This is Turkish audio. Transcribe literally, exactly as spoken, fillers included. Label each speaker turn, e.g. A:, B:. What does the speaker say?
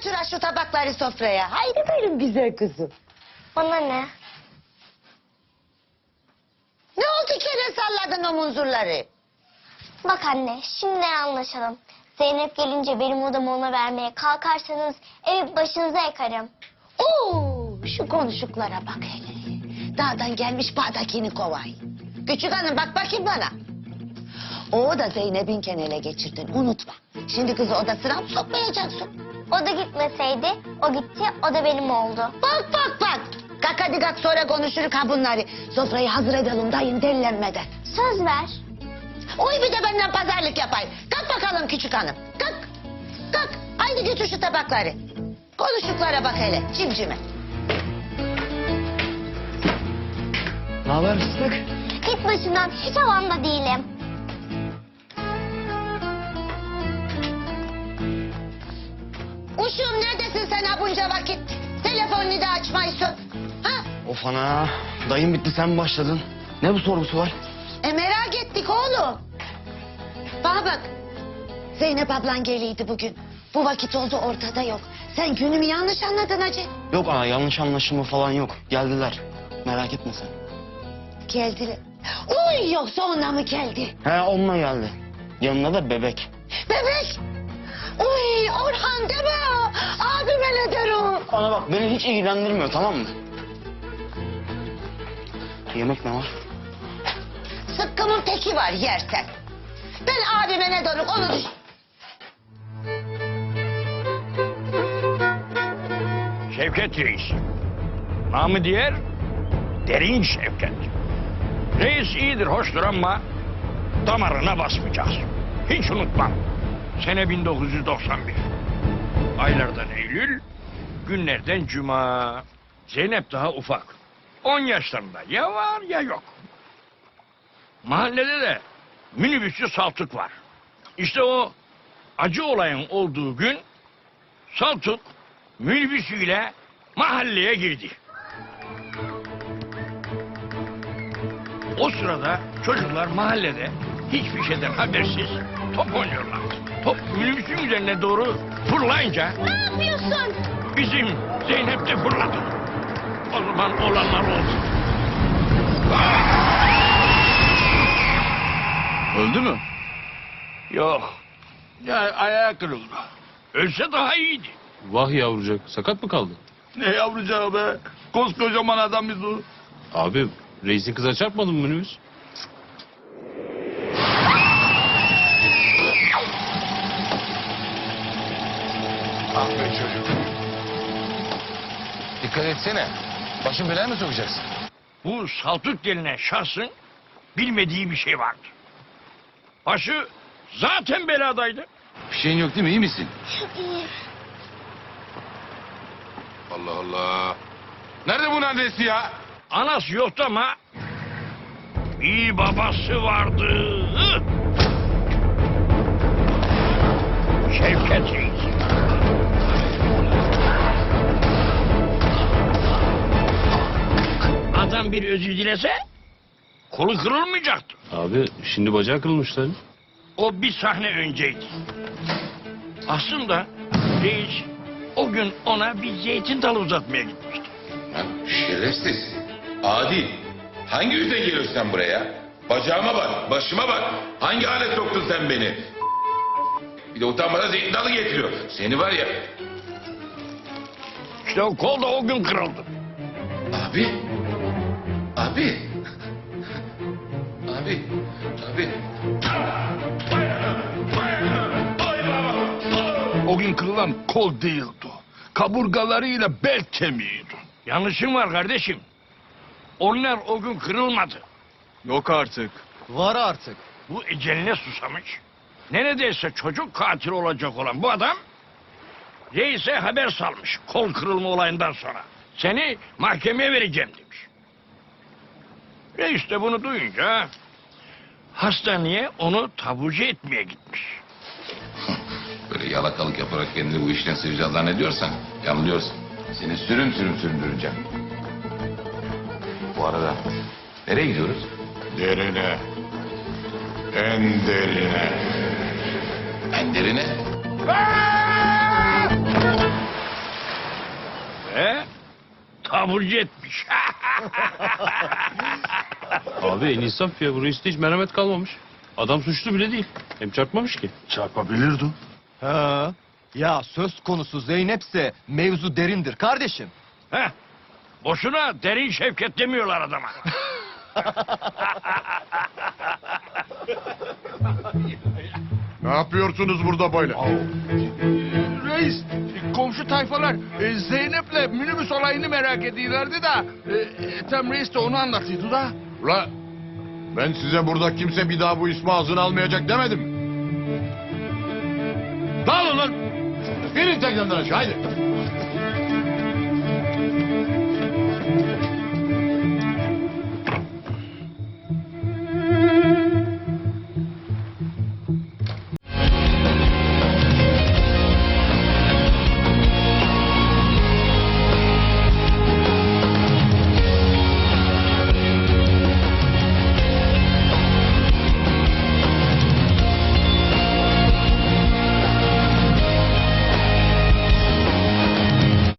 A: götür şu tabakları sofraya. Haydi benim güzel kızım.
B: Bana ne?
A: Ne oldu kere salladın o munzurları?
B: Bak anne, şimdi anlaşalım. Zeynep gelince benim odamı ona vermeye kalkarsanız evi başınıza yakarım.
A: Oo, şu konuşuklara bak hele. Dağdan gelmiş bağdakini kovay. Küçük hanım bak bakayım bana. O da Zeynep'in kenele geçirdin unutma. Şimdi kızı odasına mı sokmayacaksın?
B: O da gitmeseydi, o gitti, o da benim oldu.
A: Bak bak bak. Kalk hadi kalk sonra konuşuruz ha bunları. Sofrayı hazır edelim dayın delilenmeden.
B: Söz ver.
A: Oy bir de benden pazarlık yapayım. Kalk bakalım küçük hanım. Kalk. Kalk. Haydi götür şu tabakları. Konuştuklara bak hele cimcime.
C: Ne haber fıstık?
B: Git başımdan, hiç havamda değilim.
A: Uşum neredesin sen ha bunca vakit? Telefonunu da açmayısın. Ha?
C: Of ana. Dayım bitti sen mi başladın? Ne bu sorgusu var?
A: E merak ettik oğlum. Bana bak. Zeynep ablan geliydi bugün. Bu vakit oldu ortada yok. Sen günümü yanlış anladın hacı.
C: Yok ana yanlış anlaşılma falan yok. Geldiler. Merak etme sen.
A: Geldiler. Uy yoksa onunla mı geldi?
C: He onunla geldi. Yanına da bebek.
A: Bebek. Uy Orhan deme. Abime ne derim?
C: Ana bak beni hiç ilgilendirmiyor tamam mı? Yemek ne var?
A: Sıkkımın teki var yersen. Ben abime ne derim onu düş...
D: Şevket Reis. Namı diğer Derin Şevket. Reis iyidir, hoştur ama damarına basmayacağız. Hiç unutmam. Sene bin dokuz yüz doksan bir. Aylardan Eylül, günlerden Cuma. Zeynep daha ufak. On yaşlarında ya var ya yok. Mahallede de minibüsçü Saltuk var. İşte o acı olayın olduğu gün Saltuk minibüsüyle mahalleye girdi. O sırada çocuklar mahallede hiçbir şeyden habersiz top oynuyorlar. Top minibüsün üzerine doğru fırlayınca...
B: Ne yapıyorsun?
D: Bizim Zeynep de fırladı. O zaman olanlar oldu.
E: Öldü mü?
D: Yok. Ya ayağı kırıldı. Ölse daha iyiydi.
E: Vah yavrucak. Sakat mı kaldı?
F: Ne yavrucağı be? Koskocaman adam biz o.
E: Abi reisin kıza çarpmadın mı minibüs?
F: Ah be çocuk. Dikkat etsene. Başın belaya mı sokacaksın?
D: Bu Saltuk denilen şahsın bilmediği bir şey vardı. Başı zaten beladaydı.
F: Bir şeyin yok değil mi? İyi misin?
B: İyi.
F: Allah Allah. Nerede bunun adresi ya?
D: Anası yoktu ama bir babası vardı. Şevket Reis. Adam bir özür dilese kolu kırılmayacaktı.
E: Abi şimdi bacağı kırılmışlar.
D: O bir sahne önceydi. Aslında reis o gün ona bir zeytin dalı uzatmaya gitmişti.
G: Lan şerefsiz. Adi. Hangi yüzden geliyorsun sen buraya? Bacağıma bak, başıma bak. Hangi hale soktun sen beni? Bir de utanmadan zeytin dalı getiriyor. Seni var ya.
D: İşte o kol da o gün kırıldı.
G: Abi. Abi. Abi. Abi.
F: O gün kırılan kol değildi. Kaburgalarıyla bel kemiğiydi.
D: Yanlışın var kardeşim. Onlar o gün kırılmadı.
F: Yok artık.
C: Var artık.
D: Bu eceline susamış. Neredeyse çocuk katili olacak olan bu adam... reise haber salmış kol kırılma olayından sonra. Seni mahkemeye vereceğim demiş. Reis de bunu duyunca... hastaneye onu taburcu etmeye gitmiş.
G: Böyle yalakalık yaparak kendini bu işten sıyıracağını zannediyorsan yanılıyorsun. Seni sürüm sürüm süründüreceğim. Bu arada nereye gidiyoruz?
F: Derine. En derine.
G: En derine.
D: taburcu etmiş.
E: Abi en insaf ya. Bu reiste hiç merhamet kalmamış. Adam suçlu bile değil. Hem çarpmamış ki.
F: Çarpabilirdi.
H: Ha. Ya söz konusu Zeynep'se mevzu derindir kardeşim.
D: Heh, boşuna derin Şevket demiyorlar adama.
F: Ne yapıyorsunuz burada böyle? Reis, komşu tayfalar e, Zeynep'le minibüs olayını merak ediyorlardı da e, e, tam reis de onu anlatıyordu da.
I: Ula ben size burada kimse bir daha bu ismi ağzına almayacak demedim mi? Dağılın lan! Binin tekneden aşağı haydi!